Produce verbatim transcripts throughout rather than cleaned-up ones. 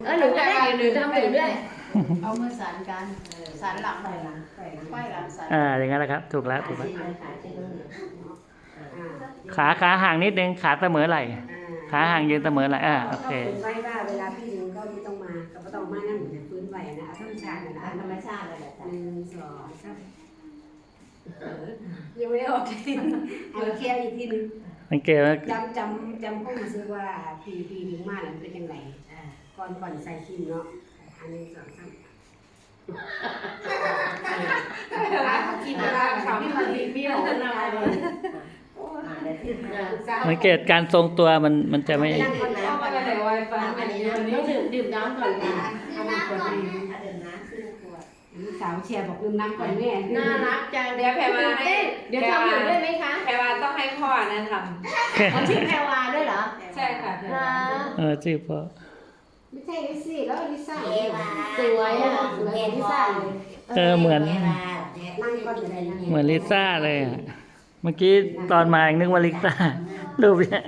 เออหนูก็ได้หนูทำหนูด้วยเอามือสานกันสานหลังหน่อยนะไขว้หลังสานอ่าอย่างนั้นแหละครับถูกแล้วถูกแล้วขาขาห่างนิดนึงขาเสมอไหล่ขาห่างยืนเสมอไหล่อ่าโอเคไว้ว่าเวลาพี่ดึงก็ไม่ต้องมาก็ไม่ต้องมานั่งอยู่พื้นไหวนะธรรมชาตินะธรรมชาติเลยแหละหนึ่งสองสามยังไม่ได้ออกทีเอาเคลียร์อีกทีนึงสังเกตว่าจำจำจำข้อมูลซื้อว่าพี่พี่ดึงมาแล้วเป็นยังไงก่อนก่อนใส่คิมเนาะอันนี้สองสามกินอะไรเขาที่มันมีมีหลงอะไรเลยสังเกตการทรงตัวมันมันจะไม่ดื่มน้ำก่อนเลยไวฟังอันนี้ต้องดื่มดื่มน้ำก่อนนะน้ำก่อนดื่มน้ำขึ้นขวดสาวเชียร์บอกดื่มน้ำก่อนแม่น่ารักจังเดี๋ยวแพรวาให้เดี๋ยวทำอยู่ด้วยไหมคะแพรวาต้องให้พ่อนะทำมันชื่อแพรวาด้วยเหรอใช่ค่ะเออชื่อพ่อไม่ใช่ลิซี่แล้วลิซ่าสวยอ่ะสวยลิซ่าเออเหมือนเหมือนลิซ่าเลยอ่ะเมื่อกี้ตอนมายังนึกว่าลิซ่ารูปเนี้ย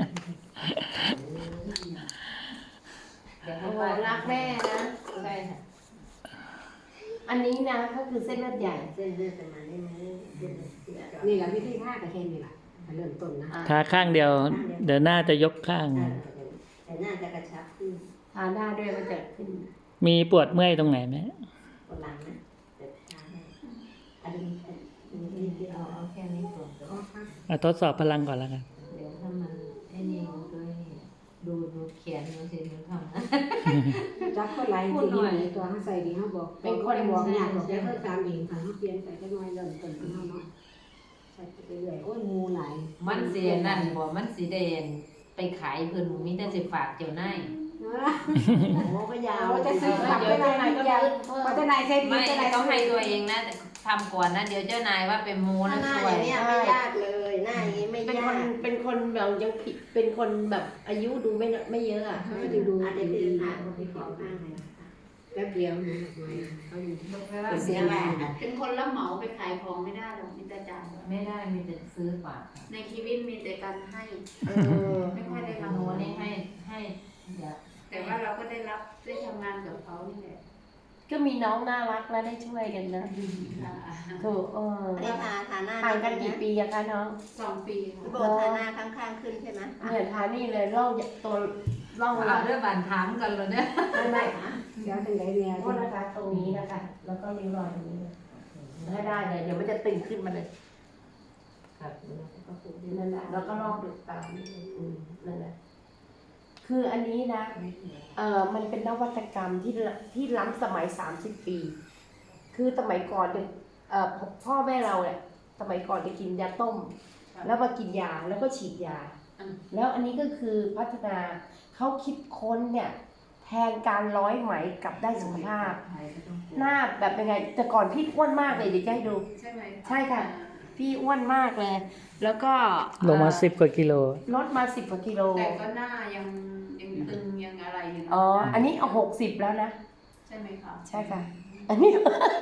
เดี๋ยวเขาบอกรักแม่นะใช่ค่ะอันนี้นะก็คือเส้นเลือดใหญ่เส้นเลือดประมาณนี้นี่แหละวิธีท่ากับเคนนี่แหละเริ่มต้นนะทาข้างเดียวเดี๋ยวหน้าจะยกข้างแต่หน้าจะกระชับขึ้นทาหน้าด้วยมันจะขึ้นมีปวดเมื่อยตรงไหนไหมปวดหลังนะแต่ทาให้อันนี้นี่ที่เอาเอาแค่นี้ก่อนเอาทดสอบพลังก่อนแล้วกันเดี๋ยวถ้ามันไอ้นี่มันก็ดูดูแขนมันสิมันทำนะจับก็ไหลจริงๆตัวเขาใส่ดีเขาบอกเป็นคนบอกอยากบอกจะเพิ่มตามเองค่ะเขาเปลี่ยนไปก็น้อยเริ่มต้นของเขาเนาะใส่ไปเรื่อยโอ้ยงูไหลมันสีนั่นบอกมันสีแดงไปขายเพิ่นมีแต่สิฝากเจ้านายโอ้ก็ยาวจะซื้อฝากเจ้านายก็ยาวเพราะเจ้านายใช้ดีไม่ต้องให้ตัวเองนะทำก่อนนะเดี๋ยวเจ้านายว่าเป็นมูนะสวยเนี่ยไม่ยากเลยหน้าอย่างนี้ไม่ยากเป็นคนเป็นคนแบบยังผิดเป็นคนแบบอายุดูไม่ไม่เยอะอ่ะไม่ดูดูอาจจะเป็นทางคนที่ขอข้างเลยแป๊บเดียวนะเขาอยู่ที่เสียแหละเป็นคนรับเหมาไปขายของไม่ได้หรอกมีแต่จ่ายไม่ได้มีแต่ซื้อฝากในชีวิตมีแต่การให้ไม่ค่อยได้รับโน้นี่ให้ให้แต่ว่าเราก็ได้รับได้ทำงานกับเขานี่แหละก็มีน้องน่ารักและได้ช่วยกันนะถูกเออได้ทาทาหน้าห่างกันกี่ปีอะคะน้องสองปีค่ะโบทาหน้าข้างๆขึ้นใช่ไหมเนี่ยทานี่เลยร่องตัวร่องเราเรื่องบานถามกันเลยเนี่ยไม่ไม่เดี๋ยวถึงไหนเนี่ยโทษนะคะตรงนี้นะคะแล้วก็ริ้วรอยตรงนี้ได้ได้เลยเดี๋ยวมันจะตึงขึ้นมาเลยครับนั่นแหละแล้วก็ลอกดูตามนั่นแหละคืออันนี้นะเอ่อมันเป็นนวัตกรรมที่ที่ล้ำสมัยสามสิบปีคือสมัยก่อนเนี่ยเอ่อพ่อแม่เราเนี่ยสมัยก่อนจะกินยาต้มแล้วมากินยาแล้วก็ฉีดยาแล้วอันนี้ก็คือพัฒนาเขาคิดค้นเนี่ยแทนการร้อยไหมกลับได้สุขภาพหน้าแบบยังไงแต่ก่อนพี่อ้วนมากเลยเดี๋ยวจะให้ดูใช่ไหมใช่ค่ะพี่อ้วนมากเลยแล้วก็ลงมาสิบกว่ากิโลลดมาสิบกว่ากิโลแต่ก็หน้ายังยังตึงยังอะไรอยู่อ๋ออันนี้เอาหกสิบแล้วนะใช่ไหมคะใช่ค่ะอันนี้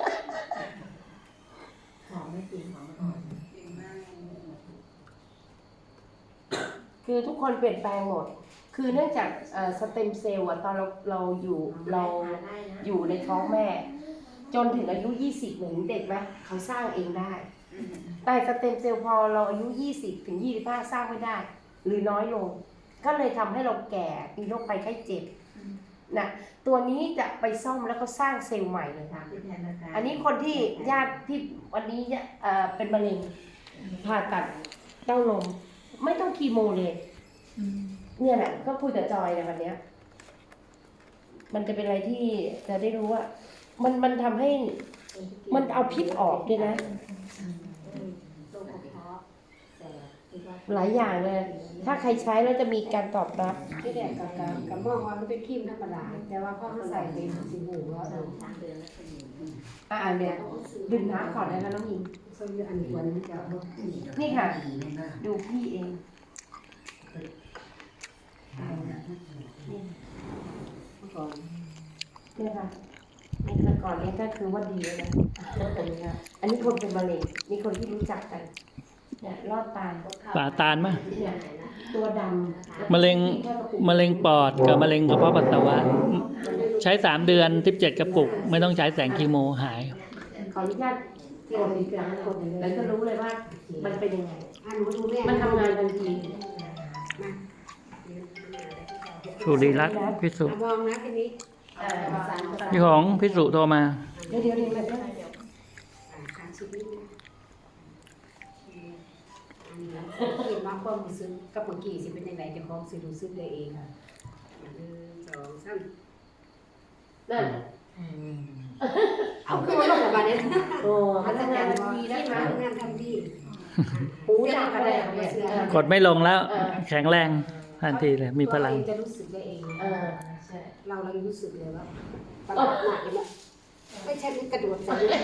หอมไม่จริงหอมอ่อนคือทุกคนเปลี่ยนแปลงหมดคือเนื่องจากสเต็มเซลล์อะตอนเราเราอยู่เราอยู่ในท้องแม่จนถึงอายุยี่สิบเหมือนเด็กไหมเขาสร้างเองได้แต่สเต็มเซลล์พอเราอายุยี่สิบถึงยี่สิบห้าสร้างไม่ได้หรือน้อยลงก็เลยทำให้เราแก่มีโรคภัยไข้เจ็บนะตัวนี้จะไปซ่อมแล้วก็สร้างเซลล์ใหม่เลยค่ะอันนี้คนที่ญาติที่วันนี้เอ่อเป็นมะเร็งผ่าตัดเต้านมไม่ต้องคีโมเลยเนี่ยแหละก็คุยกับจอยในวันนี้มันจะเป็นอะไรที่จะได้รู้ว่ามันมันทำให้มันเอาพิษออกด้วยนะหลายอย่างเลยถ้าใครใช้แล้วจะมีการตอบรับที่แดกกับกับมองว่ามันเป็นครีมธรรมดาแต่ว่าพอเขาใส่เป็นสีหูแล้วเอออ่าเนี่ยดื่มน้ำก่อนนะคะน้องหญิงส่วนอันนี้วันนี้จะนี่ค่ะดูพี่เองก่อนเนี่ยค่ะนี่แต่ก่อนนี้ก็คือว่าดีแล้วนะอันนี้คนเป็นมะเร็งมีคนที่รู้จักกันเนี่ยรอดตายป่าตาลมั้ยตัวดำมะเร็งมะเร็งปอดกับมะเร็งกระเพาะปัสสาวะใช้สามเดือนสิบเจ็ดกระปุก ไม่ต้องใช้แสงคีโมหายขออนุญาตกดอีกครั้งกดแล้วจะรู้เลยว่ามันเป็นยังไงอ่ะหนูดูแม่มันทำงานทันทีสุริรัตน์พิสุอ่ะมองนะทีนี้เอ่อภาษาภาษาพี่ของพิสุโทรมาเดี๋ยวเดี๋ยวเดี๋ยวเดี๋ยวอ่ะทางชีวิตนะอืมอันนี้แล้วเห็นว่าความรู้สึกกับเมื่อกี้สิเป็นยังไงเจะของสิรู้สึกได้เองค่ะหนึ่งสองสามนั่นเอาขึ้นมาลงกับบ้านนี้โอ้มันทำงานทันทีนะคะทำงานทันทีหูดับอะไรเนี่ยเออกดไม่ลงแล้ว แข็งแรงทันทีเลย มีพลังตัวเราเองจะรู้สึกได้เองเออใช่เราเรารู้สึกเลยว่าประหลาดหนักเลยอะไม่ใช่มันกระโดดใส่เลย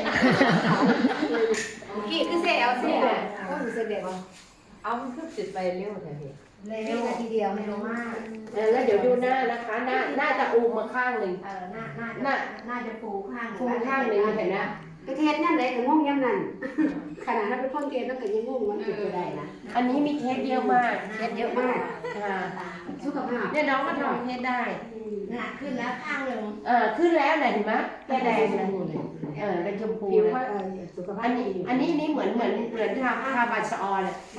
กี่คือเสียวเสียวก็รู้สึกแบบว่าเอามันขึ้นติดไปเร็วแท้พี่เร็วนาทีเดียวเร็วมากเออแล้วเดี๋ยวดูหน้านะคะ หน้าหน้าจะอูมมาข้างหนึ่งเออหน้าหน้าหน้าน่าจะฟูข้างฟูข้างหนึ่งเห็นไหมกระเทศนั่นไหนก็งงยังนั่นขนาดนั้นเป็นคนเทศนั่นก็ยังงงมันเป็นไปได้นะอันนี้มีเคสเยอะมากเทศเยอะมากค่ะสุขภาพเนี่ยน้องก็ทำเคสได้หน้าขึ้นแล้วข้างหนึ่งเออขึ้นแล้วไหนเห็นไหมแก้แดงนะเออเป็นชมพูผิวเลยก็เออสุขภาอัพนนี้ดีอันนี้นี่เหมือนเหมือนเหมือนทาทาบัตรสะออนเลย